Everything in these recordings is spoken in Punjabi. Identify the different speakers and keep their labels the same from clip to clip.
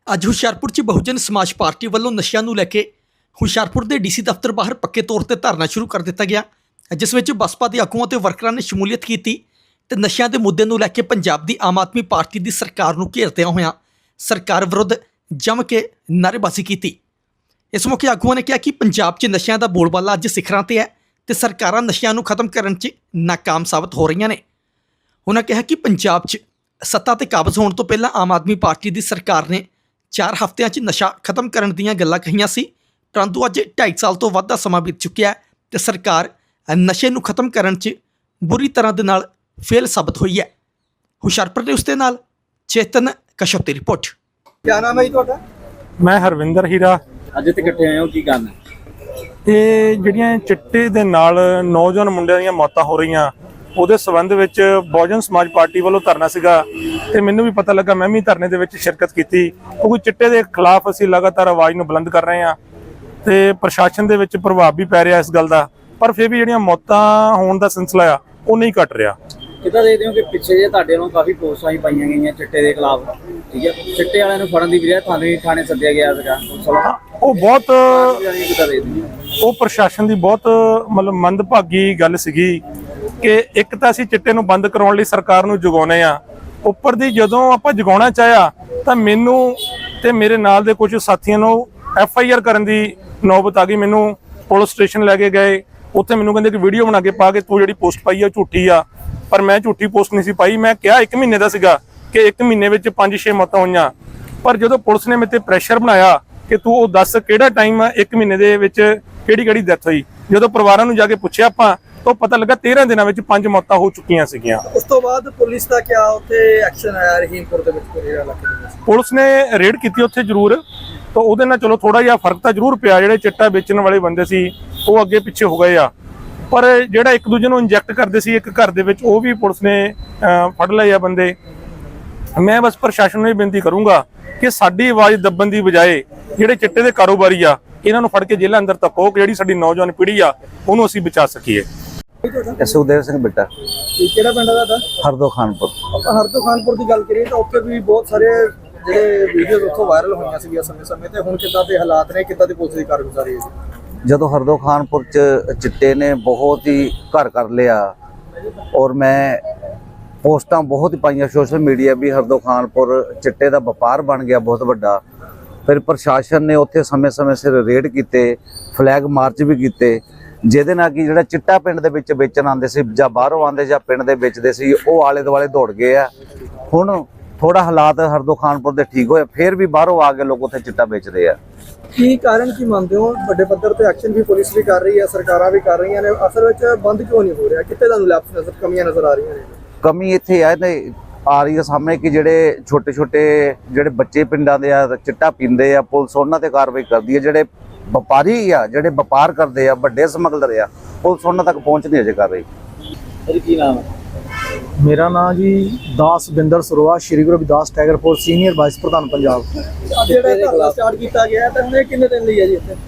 Speaker 1: ਅੱਜ ਹੁਸ਼ਿਆਰਪੁਰ 'ਚ ਬਹੁਜਨ ਸਮਾਜ ਪਾਰਟੀ ਵੱਲੋਂ ਨਸ਼ਿਆਂ ਨੂੰ ਲੈ ਕੇ ਹੁਸ਼ਿਆਰਪੁਰ ਦੇ ਡੀਸੀ ਦਫ਼ਤਰ ਬਾਹਰ ਪੱਕੇ ਤੌਰ ਤੇ ਧਰਨਾ ਸ਼ੁਰੂ ਕਰ ਦਿੱਤਾ ਗਿਆ, ਜਿਸ ਵਿੱਚ ਬਸਪਾ ਦੇ ਆਗੂਆਂ ਤੇ ਵਰਕਰਾਂ ਨੇ ਸ਼ਮੂਲੀਅਤ ਕੀਤੀ ਤੇ ਨਸ਼ਿਆਂ ਦੇ ਮੁੱਦੇ ਨੂੰ ਲੈ ਕੇ ਪੰਜਾਬ ਦੀ ਆਮ ਆਦਮੀ ਪਾਰਟੀ ਦੀ ਸਰਕਾਰ ਨੂੰ ਘੇਰਦਿਆਂ ਹੋਇਆਂ ਸਰਕਾਰ ਵਿਰੁੱਧ ਜੰਮ ਕੇ ਨਾਅਰੇਬਾਜ਼ੀ ਕੀਤੀ। ਇਸ ਮੌਕੇ ਆਗੂਆਂ ਨੇ ਕਿਹਾ ਕਿ ਪੰਜਾਬ 'ਚ ਨਸ਼ਿਆਂ ਦਾ ਬੋਲਬਾਲਾ ਅੱਜ ਸਿਖਰਾਂ ਤੇ ਹੈ ਤੇ ਸਰਕਾਰਾਂ ਨਸ਼ਿਆਂ ਨੂੰ ਖਤਮ ਕਰਨ 'ਚ ਨਾਕਾਮ ਸਾਬਤ ਹੋ ਰਹੀਆਂ ਨੇ। ਉਹਨਾਂ ਕਿਹਾ ਕਿ ਪੰਜਾਬ 'ਚ ਸੱਤਾ ਤੇ ਕਾਬਜ਼ ਹੋਣ ਤੋਂ ਪਹਿਲਾਂ ਆਮ ਆਦਮੀ ਪਾਰਟੀ ਦੀ ਸਰਕਾਰ ਨੇ 4 ਹਫ਼ਤਿਆਂ 'ਚ ਨਸ਼ਾ ਖਤਮ ਕਰਨ ਦੀਆਂ ਗੱਲਾਂ ਕਹੀਆਂ ਸੀ, ਪਰੰਤੂ ਅੱਜ 2.5 ਸਾਲ ਤੋਂ ਵੱਧ ਦਾ ਸਮਾਂ ਬੀਤ ਚੁੱਕਿਆ ਤੇ ਸਰਕਾਰ ਨਸ਼ੇ ਨੂੰ ਖਤਮ ਕਰਨ 'ਚ ਬੁਰੀ ਤਰ੍ਹਾਂ ਦੇ ਨਾਲ ਫੇਲ ਸਾਬਤ ਹੋਈ ਹੈ। ਹੁਸ਼ਿਆਰਪੁਰ ਦੇ ਉਸ ਦੇ ਨਾਲ ਚੇਤਨ ਕਸ਼ਪ ਦੀ ਰਿਪੋਰਟ।
Speaker 2: क्या नाम है जी ਤੁਹਾਡਾ?
Speaker 3: मैं हरविंदर हीरा।
Speaker 2: ਅੱਜ ਇੱਥੇ ਇਕੱਠੇ ਹੋਏ ਹੋ, ਕੀ ਗੱਲ ਹੈ?
Speaker 3: ਇਹ ਜਿਹੜੀਆਂ ਚਿੱਟੇ ਦੇ ਨਾਲ ਨੌਜਵਾਨ ਮੁੰਡਿਆਂ ਦੀਆਂ ਮੌਤਾਂ ਹੋ ਰਹੀਆਂ ਉਹਦੇ ਸਬੰਧ ਵਿੱਚ ਬਹੁਜਨ ਸਮਾਜ ਪਾਰਟੀ ਵੱਲੋਂ ਧਰਨਾ ਸੀਗਾ ਤੇ ਮੈਨੂੰ ਵੀ ਪਤਾ ਲੱਗਾ, ਮੈਂ ਵੀ ਧਰਨੇ ਦੇ ਵਿੱਚ ਸ਼ਿਰਕਤ ਕੀਤੀ ਕਿਉਂਕਿ ਚਿੱਟੇ ਦੇ ਖਿਲਾਫ ਅਸੀਂ ਲਗਾਤਾਰ ਆਵਾਜ਼ ਨੂੰ ਬੁਲੰਦ ਕਰ ਰਹੇ ਹਾਂ ਤੇ ਪ੍ਰਸ਼ਾਸਨ ਦੇ ਵਿੱਚ ਪ੍ਰਭਾਵ ਵੀ ਪੈ ਰਿਹਾ ਇਸ ਗੱਲ ਦਾ, ਪਰ ਫਿਰ ਵੀ ਜਿਹੜੀਆਂ ਮੌਤਾਂ ਹੋਣ ਦਾ ਸਿਲਸਿਲਾ ਆ ਉਹ ਨਹੀਂ ਘਟ ਰਿਹਾ।
Speaker 2: ਕਿੱਦਾਂ ਦੇਖਦੇ ਹੋ ਕਿ ਪਿੱਛੇ ਜੇ ਤੁਹਾਡੇ ਵੱਲੋਂ ਕਾਫੀ ਪੋਸਟਾਂ ਹੀ ਪਾਈਆਂ ਗਈਆਂ ਚਿੱਟੇ ਦੇ ਖਿਲਾਫ, ਠੀਕ ਹੈ, ਚਿੱਟੇ ਵਾਲਿਆਂ ਨੂੰ ਫੜਨ ਦੀ ਬਜਾਏ ਤੁਹਾਨੂੰ ਹੀ ਥਾਣੇ ਸੱਦਿਆ ਗਿਆ ਸੀਗਾ,
Speaker 3: ਉਹ ਬਹੁਤ
Speaker 2: ਕਿੱਦਾਂ ਦੇਖਦੇ ਹੋ?
Speaker 3: ਉਹ ਪ੍ਰਸ਼ਾਸਨ ਦੀ ਬਹੁਤ ਮਤਲਬ ਮੰਦਭਾਗੀ ਗੱਲ ਸੀਗੀ ਕਿ ਇੱਕ ਤਾਂ ਅਸੀਂ ਚਿੱਟੇ ਨੂੰ ਬੰਦ ਕਰਾਉਣ ਲਈ ਸਰਕਾਰ ਨੂੰ ਜਗਾਉਨੇ ਆ, ਉੱਪਰ ਦੀ ਜਦੋਂ ਆਪਾਂ ਜਗਾਉਣਾ ਚਾਹਿਆ ਤਾਂ ਮੈਨੂੰ ਤੇ ਮੇਰੇ ਨਾਲ ਦੇ ਕੁਝ ਸਾਥੀਆਂ ਨੂੰ FIR ਕਰਨ ਦੀ ਨੌਬਤ ਆ ਗਈ। ਮੈਨੂੰ ਪੁਲਿਸ ਸਟੇਸ਼ਨ ਲੈ ਕੇ ਗਏ, ਉੱਥੇ ਮੈਨੂੰ ਕਹਿੰਦੇ ਕਿ ਵੀਡੀਓ ਬਣਾ ਕੇ ਪਾ ਕੇ ਤੂੰ ਜਿਹੜੀ ਪੋਸਟ ਪਾਈ ਆ ਝੂਠੀ ਆ, ਪਰ ਮੈਂ ਝੂਠੀ ਪੋਸਟ ਨਹੀਂ ਸੀ ਪਾਈ। ਮੈਂ ਕਿਹਾ 1 ਮਹੀਨੇ ਦਾ ਸੀਗਾ ਕਿ 1 ਮਹੀਨੇ ਵਿੱਚ 5-6 ਮੌਤਾਂ ਹੋਈਆਂ, ਪਰ ਜਦੋਂ ਪੁਲਿਸ ਨੇ ਮੇਰੇ ਤੇ ਪ੍ਰੈਸ਼ਰ ਬਣਾਇਆ ਕਿ ਤੂੰ ਉਹ ਦੱਸ ਕਿਹੜਾ ਟਾਈਮ 1 ਮਹੀਨੇ ਦੇ ਵਿੱਚ ਕਿਹੜੀ ਡੈਥ ਹੋਈ, ਜਦੋਂ ਪਰਿਵਾਰਾਂ ਨੂੰ ਜਾ ਕੇ ਪੁੱਛਿਆ ਆਪਾਂ ਤਾਂ ਪਤਾ ਲੱਗਾ 13 ਦਿਨਾਂ ਵਿੱਚ 5 ਮੌਤਾਂ ਹੋ ਚੁੱਕੀਆਂ ਸੀਗੀਆਂ।
Speaker 2: ਉਸ ਤੋਂ ਬਾਅਦ ਪੁਲਿਸ ਦਾ ਕਿਆ ਉੱਥੇ ਐਕਸ਼ਨ ਆਇਆ ਰਹੀਮਪੁਰ ਦੇ ਵਿੱਚ ਪੂਰੇ ਇਲਾਕੇ ਦੇ ਵਿੱਚ?
Speaker 3: ਪੁਲਿਸ ਨੇ ਰੇਡ ਕੀਤੀ ਉੱਥੇ ਜ਼ਰੂਰ, ਤਾਂ ਉਹਦੇ ਨਾਲ ਚਲੋ ਥੋੜਾ ਜਿਹਾ ਫਰਕ ਤਾਂ ਜ਼ਰੂਰ ਪਿਆ। ਜਿਹੜੇ ਚਿੱਟਾ ਵੇਚਣ ਵਾਲੇ ਬੰਦੇ ਸੀ ਉਹ ਅੱਗੇ ਪਿੱਛੇ ਹੋ ਗਏ ਆ, ਪਰ ਜਿਹੜਾ ਇੱਕ ਦੂਜੇ ਨੂੰ ਇੰਜੈਕਟ ਕਰਦੇ ਸੀ ਇੱਕ ਘਰ ਦੇ ਵਿੱਚ ਉਹ ਵੀ ਪੁਲਿਸ ਨੇ ਫੜ ਲਏ ਆ ਬੰਦੇ। ਮੈਂ ਬਸ ਪ੍ਰਸ਼ਾਸਨ ਨੂੰ ਇਹ ਬੇਨਤੀ ਕਰੂੰਗਾ ਕਿ ਸਾਡੀ ਆਵਾਜ਼ ਦੱਬਣ ਦੀ ਬਜਾਏ ਜਿਹੜੇ ਚਿੱਟੇ ਦੇ ਕਾਰੋਬਾਰੀ ਆ ਇਹਨਾਂ ਨੂੰ ਫੜ ਕੇ ਜੇਲ੍ਹਾਂ ਅੰਦਰ ਧੱਕੋ, ਜਿਹੜੀ ਸਾਡੀ ਨੌਜਵਾਨ ਪੀੜ੍ਹੀ ਆ ਉਹਨੂੰ ਅਸੀਂ ਬਚਾ ਸਕੀਏ।
Speaker 4: ਸੁਖਦੇਵ ਸਿੰਘ ਬਿੱਟਾ,
Speaker 2: ਕਿਹੜਾ ਪਿੰਡ ਦਾ?
Speaker 4: ਹਰਦੋ ਖਾਨਪੁਰ।
Speaker 2: ਆਪਾਂ ਹਰਦੋ ਖਾਨਪੁਰ ਦੀ ਗੱਲ ਕਰੀਏ ਤਾਂ ਉੱਥੇ ਵੀ ਬਹੁਤ ਸਾਰੇ ਜਿਹੜੇ ਵੀਡੀਓਜ਼ ਉੱਥੋਂ ਵਾਇਰਲ ਹੋਈਆਂ ਸੀਗੀਆਂ ਸਮੇਂ-ਸਮੇਂ ਤੇ, ਹੁਣ ਕਿੱਦਾਂ ਦੇ ਹਾਲਾਤ ਨੇ, ਕਿੱਦਾਂ ਦੀ ਪੁਲਿਸ ਦੀ ਕਾਰਗੁਜ਼ਾਰੀ ਹੈ?
Speaker 4: ਜਦੋਂ ਹਰਦੋ ਖਾਨਪੁਰ ਚ ਚਿੱਟੇ ਨੇ ਬਹੁਤ ਹੀ ਘਰ ਕਰ ਲਿਆ ਔਰ ਮੈਂ ਪੋਸਟਾਂ ਬਹੁਤ ਹੀ ਪਾਈਆਂ ਸੋਸ਼ਲ ਮੀਡੀਆ ਵੀ ਹਰਦੋ ਖਾਨਪੁਰ ਚਿੱਟੇ ਦਾ ਵਪਾਰ ਬਣ ਗਿਆ ਬਹੁਤ ਵੱਡਾ। ਫਿਰ ਪ੍ਰਸ਼ਾਸਨ ਨੇ ਉੱਥੇ ਸਮੇਂ-ਸਮੇਂ ਸਿਰ ਰੇਡ ਕੀਤੇ, ਫਲੈਗ ਮਾਰਚ ਵੀ ਕੀਤੇ, ਜਿਹਦੇ ਨਾਲ ਕਿ ਜਿਹੜਾ ਚਿੱਟਾ ਪਿੰਡ ਦੇ ਵਿੱਚ ਵੇਚਣ ਆਉਂਦੇ ਸੀ ਜਾਂ ਬਾਹਰੋਂ ਆਉਂਦੇ ਜਾਂ ਪਿੰਡ ਦੇ ਵੇਚਦੇ ਸੀ ਉਹ ਆਲੇ ਦੁਆਲੇ ਦੌੜ ਗਏ ਆ। ਹੁਣ ਥੋੜਾ ਹਾਲਾਤ ਹਰਦੋ ਖਾਨਪੁਰ ਦੇ ਠੀਕ ਹੋਏ, ਫਿਰ ਵੀ ਬਾਹਰੋਂ ਆ ਕੇ ਲੋਕ ਉੱਥੇ ਚਿੱਟਾ ਵੇਚਦੇ ਆ।
Speaker 2: ਕੀ ਕਾਰਨ ਕੀ ਮੰਨਦੇ ਹੋ? ਵੱਡੇ ਪੱਧਰ ਤੇ ਐਕਸ਼ਨ ਵੀ ਪੁਲਿਸ ਵੀ ਕਰ ਰਹੀ ਹੈ, ਸਰਕਾਰਾਂ ਵੀ ਕਰ ਰਹੀਆਂ ਨੇ, ਅਸਲ ਵਿੱਚ ਬੰਦ ਕਿਉਂ ਨਹੀਂ ਹੋ ਰਿਹਾ? ਕਿੱਥੇ ਤੁਹਾਨੂੰ ਲੈਪਸ ਨਜ਼ਰ, ਕਮੀਆਂ ਨਜ਼ਰ ਆ ਰਹੀਆਂ ਨੇ?
Speaker 4: ਕਮੀ ਇੱਥੇ ਆ ਰਹੀ ਹੈ ਸਾਹਮਣੇ ਕਿ ਜਿਹੜੇ ਛੋਟੇ ਜਿਹੜੇ ਬੱਚੇ ਪਿੰਡਾਂ ਦੇ ਆ ਚਿੱਟਾ ਪੀਂਦੇ ਆ, ਪੁਲਿਸ ਉਹਨਾਂ ਤੇ ਕਾਰਵਾਈ ਕਰਦੀ ਹੈ। ਜਿਹੜੇ ਵਪਾਰੀ ਆ, ਜਿਹੜੇ ਵਪਾਰ ਕਰਦੇ ਆ, ਵੱਡੇ ਸਮਗਲਰ ਆ, ਪੁਲਿਸ ਉਹਨਾਂ ਤੱਕ ਪਹੁੰਚ ਨਹੀਂ ਅਜੇ ਕਰ ਰਹੀ।
Speaker 2: ਕੀ ਨਾਮ ਹੈ?
Speaker 5: ਮੇਰਾ ਨਾਮ ਜੀ Daswinder Saroa, Shri Guru Ravidas tiger force senior vice ਪ੍ਰਧਾਨ ਪੰਜਾਬ।
Speaker 2: ਜਿਹੜਾ ਧਰਨਾ ਸਟਾਰਟ ਕੀਤਾ ਗਿਆ ਤਾਂ ਹੁਣ ਇਹ ਕਿੰਨੇ ਦਿਨ ਲਈ ਹੈ ਜੀ ਇੱਥੇ?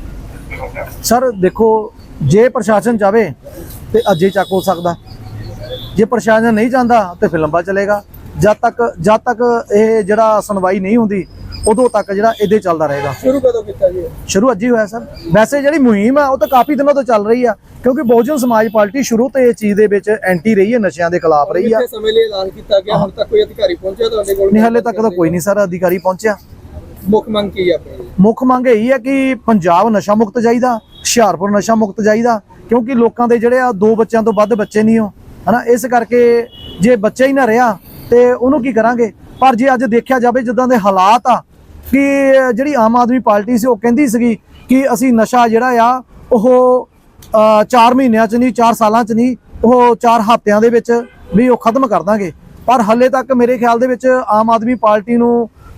Speaker 5: ਸਰ ਦੇਖੋ, ਜੇ ਪ੍ਰਸ਼ਾਸਨ ਚਾਵੇ ਤੇ ਅੱਜੇ ਚੱਕ ਹੋ ਸਕਦਾ, ਜੇ ਪ੍ਰਸ਼ਾਸਨ ਨਹੀਂ ਚਾਹੁੰਦਾ ਤੇ ਫਿਰ ਲੰਬਾ ਚਲੇਗਾ। ਜਦ ਤੱਕ ਇਹ ਜਿਹੜਾ ਸੁਣਵਾਈ ਨਹੀਂ ਹੁੰਦੀ ਉਦੋਂ ਤੱਕ ਜਿਹੜਾ ਇਹਦੇ ਚੱਲਦਾ ਰਹੇਗਾ।
Speaker 2: ਸ਼ੁਰੂ ਕਦੋਂ ਕੀਤਾ ਜੀ?
Speaker 5: ਸ਼ੁਰੂ ਅੱਜ ਹੀ ਹੋਇਆ ਸਰ। ਵੈਸੇ ਜਿਹੜੀ ਮੁਹਿੰਮ ਆ ਉਹ ਤਾਂ ਕਾਫੀ ਦਿਨਾਂ ਤੋਂ ਚੱਲ ਰਹੀ ਆ, ਕਿਉਂਕਿ ਬਹੁਜਨ ਸਮਾਜ ਪਾਰਟੀ ਸ਼ੁਰੂ ਤੋਂ ਇਹ ਚੀਜ਼ ਦੇ ਵਿੱਚ ਐਂਟੀ ਰਹੀ ਹੈ, ਨਸ਼ਿਆਂ ਦੇ ਖਿਲਾਫ ਰਹੀ ਆ।
Speaker 2: ਕਿੰਨੇ ਸਮੇਂ ਲਈ ਐਲਾਨ ਕੀਤਾ ਗਿਆ, ਹੁਣ ਤੱਕ ਕੋਈ ਅਧਿਕਾਰੀ ਪਹੁੰਚਿਆ ਤੁਹਾਡੇ ਕੋਲ?
Speaker 5: ਨਹੀਂ, ਹਾਲੇ ਤੱਕ ਤਾਂ ਕੋਈ ਨਹੀਂ ਸਰ ਅਧਿਕਾਰੀ ਪਹੁੰਚਿਆ।
Speaker 2: ਮੁੱਖ ਮੰਗ ਕੀ ਹੈ ਆਪਣੀ?
Speaker 5: ਮੁੱਖ ਮੰਗ ਇਹੀ ਹੈ ਕਿ ਪੰਜਾਬ ਨਸ਼ਾ ਮੁਕਤ ਚਾਹੀਦਾ, ਹੁਸ਼ਿਆਰਪੁਰ ਨਸ਼ਾ ਮੁਕਤ ਚਾਹੀਦਾ, ਕਿਉਂਕਿ ਲੋਕਾਂ ਦੇ ਜਿਹੜੇ ਆ 2 ਬੱਚਿਆਂ ਤੋਂ ਵੱਧ ਬੱਚੇ ਨਹੀਂ ਹੋ, ਹਨਾ। ਇਸ ਕਰਕੇ ਜੇ ਬੱਚਾ ਹੀ ਨਾ ਰਿਹਾ ਤੇ ਉਹਨੂੰ ਕੀ ਕਰਾਂਗੇ। ਪਰ ਜੇ ਅੱਜ ਦੇਖਿਆ ਜਾਵੇ ਜਿੱਦਾਂ ਦੇ ਹਾਲਾਤ ਆ ਕਿ ਜਿਹੜੀ ਆਮ ਆਦਮੀ ਪਾਰਟੀ ਸੀ ਉਹ ਕਹਿੰਦੀ ਸੀਗੀ ਕਿ ਅਸੀਂ ਨਸ਼ਾ ਜਿਹੜਾ ਆ ਉਹ 4 ਮਹੀਨਿਆਂ 'ਚ ਨਹੀਂ, 4 ਸਾਲਾਂ 'ਚ ਨਹੀਂ, ਉਹ 4 ਹਫ਼ਤਿਆਂ ਦੇ ਵਿੱਚ ਵੀ ਉਹ ਖਤਮ ਕਰ ਦਾਂਗੇ। ਪਰ ਹਾਲੇ ਤੱਕ ਮੇਰੇ ਖਿਆਲ ਦੇ ਵਿੱਚ ਆਮ ਆਦਮੀ ਪਾਰਟੀ ਨੂੰ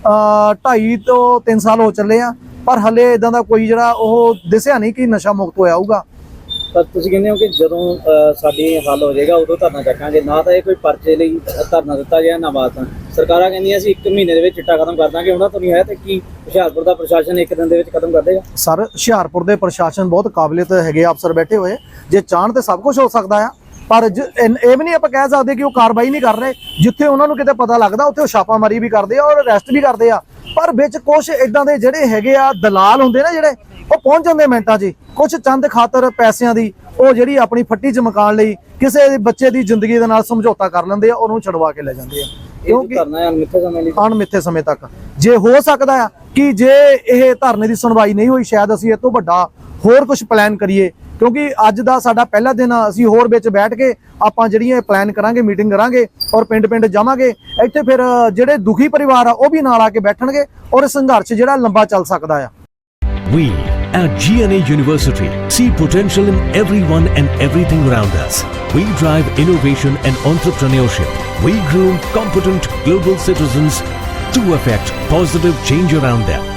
Speaker 5: 2.5 ਤੋਂ 3 ਸਾਲ ਹੋ ਚੱਲੇ ਆ, ਪਰ ਹਾਲੇ ਇਦਾਂ ਦਾ ਕੋਈ ਜਿਹੜਾ ਉਹ ਦਿਸਿਆ ਨਹੀਂ ਕਿ ਨਸ਼ਾ ਮੁਕਤ ਹੋਇਆ ਹੋਊਗਾ।
Speaker 2: ਪਰ ਤੁਸੀਂ ਕਹਿੰਦੇ ਹੋ ਕਿ ਜਦੋਂ ਸਾਡੀ ਹੱਲ ਹੋ ਜਾਏਗਾ ਉਦੋਂ ਧਰਨਾ ਚੱਕਾਂਗੇ, ਨਾ ਤਾਂ ਇਹ ਕੋਈ ਪਰਚੇ ਲਈ ਧਰਨਾ ਦਿੱਤਾ ਗਿਆ ਨਾ ਬਾਤਾਂ। ਸਰਕਾਰਾਂ ਕਹਿੰਦੀਆਂ ਅਸੀਂ 1 ਮਹੀਨੇ ਦੇ ਵਿੱਚ ਚਿੱਟਾ ਖਤਮ ਕਰ ਦਾਂਗੇ, ਉਹਨਾਂ ਤੋਂ ਨਹੀਂ ਹੈ ਤੇ ਕੀ ਹੁਸ਼ਿਆਰਪੁਰ ਦਾ ਪ੍ਰਸ਼ਾਸਨ 1 ਦਿਨ ਦੇ ਵਿੱਚ ਖਤਮ ਕਰ ਦੇਗਾ?
Speaker 5: ਸਰ ਹੁਸ਼ਿਆਰਪੁਰ ਦੇ ਪ੍ਰਸ਼ਾਸਨ ਬਹੁਤ ਕਾਬਲੀਅਤ ਹੈਗੇ ਅਫਸਰ ਬੈਠੇ ਹੋਏ, ਜੇ ਚਾਹਣ ਤੇ ਸਭ ਕੁਝ ਹੋ ਸਕਦਾ ਆ। ਪਰ ਇਹ ਵੀ ਨਹੀਂ ਆਪਾਂ ਕਹਿ ਸਕਦੇ ਕਿ ਉਹ ਕਾਰਵਾਈ ਨਹੀਂ ਕਰ ਰਹੇ। ਜਿੱਥੇ ਉਹਨਾਂ ਨੂੰ ਕਿਤੇ ਪਤਾ ਲੱਗਦਾ ਉੱਥੇ ਉਹ ਛਾਪਾਮਾਰੀ ਵੀ ਕਰਦੇ ਆ ਔਰ ਅਰੈਸਟ ਵੀ ਕਰਦੇ ਆ। ਪਰ ਵਿੱਚ ਕੁਝ ਇਦਾਂ ਦੇ ਜਿਹੜੇ ਹੈਗੇ ਆ ਦਲਾਲ ਹੁੰਦੇ ਨਾ ਜਿਹੜੇ, ਉਹ ਪਹੁੰਚ ਜਾਂਦੇ ਮਿੰਟਾਂ 'ਚ ਹੀ, ਕੁਝ ਚੰਦ ਖਾਤਰ ਪੈਸਿਆਂ ਦੀ ਉਹ ਜਿਹੜੀ ਆਪਣੀ ਫੱਟੀ ਚਮਕਾਉਣ ਲਈ ਕਿਸੇ ਬੱਚੇ ਦੀ ਜ਼ਿੰਦਗੀ ਦੇ ਨਾਲ ਸਮਝੌਤਾ ਕਰ ਲੈਂਦੇ ਆ, ਉਹਨੂੰ ਛਡਵਾ ਕੇ ਲੈ ਜਾਂਦੇ ਆ।
Speaker 2: ਕਿਉਂਕਿ ਧਰਨਾ ਅਣਮਿੱਥੇ ਸਮੇਂ ਲਈ,
Speaker 5: ਅਣਮਿੱਥੇ ਸਮੇਂ ਤੱਕ। ਜੇ ਹੋ ਸਕਦਾ ਆ ਕਿ ਜੇ ਇਹ ਧਰਨੇ ਦੀ ਸੁਣਵਾਈ ਨਹੀਂ ਹੋਈ, ਸ਼ਾਇਦ ਅਸੀਂ ਇਹ ਤੋਂ ਵੱਡਾ ਹੋਰ ਕੁਝ ਪਲਾਨ ਕਰੀਏ, ਕਿਉਂਕਿ ਅੱਜ ਦਾ ਸਾਡਾ ਪਹਿਲਾ ਦਿਨ ਆ। ਅਸੀਂ ਹੋਰ ਵਿੱਚ ਬੈਠ ਕੇ ਆਪਾਂ ਜਿਹੜੀਆਂ ਪਲਾਨ ਕਰਾਂਗੇ, ਮੀਟਿੰਗ ਕਰਾਂਗੇ ਔਰ ਪਿੰਡ ਜਾਵਾਂਗੇ। ਇੱਥੇ ਫਿਰ ਜਿਹੜੇ ਦੁਖੀ ਪਰਿਵਾਰ ਆ ਉਹ ਵੀ ਨਾਲ ਆ ਕੇ ਬੈਠਣਗੇ ਔਰ ਸੰਘਰਸ਼ ਜਿਹੜਾ ਲੰਬਾ ਚੱਲ ਸਕਦਾ ਆ।
Speaker 6: We at GNA University see potential in everyone and everything around us. We drive innovation and entrepreneurship. We groom competent global citizens to affect positive change around them.